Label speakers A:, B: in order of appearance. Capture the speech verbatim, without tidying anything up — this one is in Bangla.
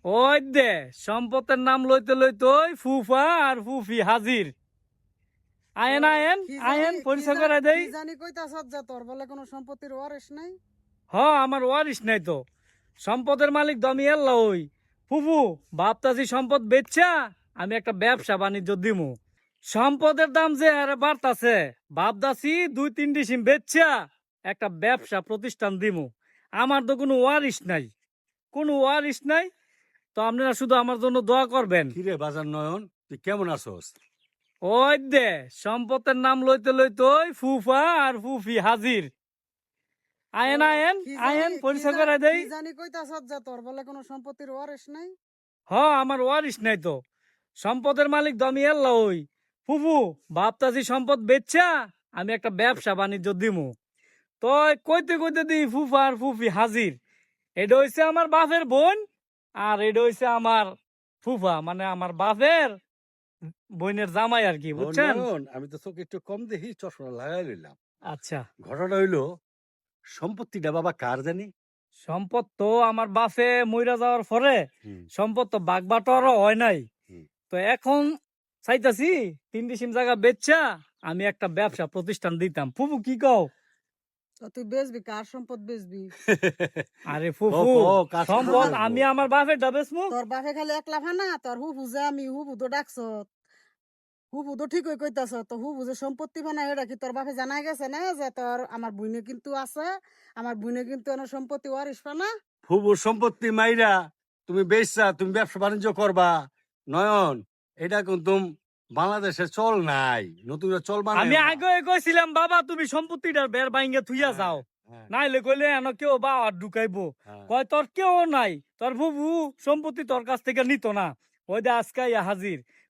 A: ওই দে সম্পদের নাম লইতে লইতে ওই ফুফা আর ফুফি হাজির। আয়েন আয়েন
B: কি
A: আয়েন
B: জানি কি
A: পরিচয়
B: জানি
A: করে দেই।
B: কি জানি কইতাছস যে তোর বলে কোনো সম্পত্তির ওয়ারিশ নাই।
A: হ আমার ওয়ারিশ নাই তো, সম্পদের মালিক দমি আল্লাহ। ওই ফুফু বাপতাজি সম্পদ বেচছা আমি একটা ব্যবসা বাণিজ্য দিমু। সম্পদের দাম যে আরে বাড়তাছে, বাপদাসি দুই তিন ডিসিম বেচছা একটা ব্যবসা প্রতিষ্ঠান দিমু। আমার তো কোনো ওয়ারিশ নাই, কোনো ওয়ারিশ নাই। তো আপনারা শুধু আমার জন্য দোয়া করবেন।
C: কিরে বাজার নয়ন, তুই কেমন আছোস?
A: ওই দে সম্পদের নাম লইতে লইতে ওই ফুফা আর ফুফি হাজির। আয়েন আয়েন
B: কি জানি
A: আয়েন
B: কি
A: পরিচয়
B: জানি
A: করে দেই।
B: কি জানি কইতাছস যে তোর বলে কোনো সম্পত্তির ওয়ারিশ নাই।
A: হ আমার ওয়ারিশ নাই তো, সম্পদের মালিক দমি আল্লাহ। ওই ফুফু বাপতাজি সম্পদ বেচছা আমি একটা ব্যবসা বাণিজ্য দিমু। তো কইতে কইতে দি ফুফা আর ফুফি হাজির। এটা হইছে আমার বাপের বোন, আর এটা হইছে আমার ফুফা, মানে আমার বাপের বোনের জামাই আর কি,
C: ও
A: বুঝছেন?
C: নয়ন, আমি তো তোকে একটু কম দেখি চশমা লাগাই লইলাম।
A: আচ্ছা,
C: ঘটনা হইলো, সম্পত্তিটা বাবা কার জানি?
A: সম্পদ তো আমার বাপে মইরা যাওয়ার পরে
C: হুম,
A: সম্পদ তো বাগ বাটোয়ারা হয় নাই।
C: হুম।
A: তো এখন চাইতাছি তিন ডিসিম জায়গা বেচছা আমি একটা ব্যবসা প্রতিষ্ঠান দিতাম। ফুফু কি কও?
B: তো তুই বেচবি, কার সম্পদ বেচবি?
A: আরে
C: ক,
A: ফুফু
C: ক, কার সম্পদ
A: সম্পদ
C: বেচবো?
A: আমি আমার বাপের ডা বেচমু।
B: তোর বাপে খালি একলা ফানা, তোর হুবু যে আমি হুবু তো ডাকছ, হুবু তো ঠিকই কইতাছ। তো হুবু যে সম্পত্তি ফানা এটা কি তোর বাপে জানাই গেছে না যে তোর আমার বুইনে কিন্তু আছে, আমার বুইনে কিন্তু এনে সম্পত্তি ওয়ারিশ ফানা?
C: ফুবুর সম্পত্তি মাইরা তুমি বেচছা, তুমি ব্যবসা বাণিজ্য করবা। নয়ন, এটা কিন্তু বাংলাদেশে চল নাই, নতুন করে চল বানাই
A: আমি আগে কইছিলাম বাবা তুমি সম্পত্তিটার বের বাইঙ্গে থুইয়া যাও, নাইলে কইলে এন কেউ বা আর ঢুকাইবো। কয় তোর কেউ নাই, তোর ফুফু সম্পত্তি তোর কাছ থেকে নিত না। ওই দে আজকে ইয়া হাজির।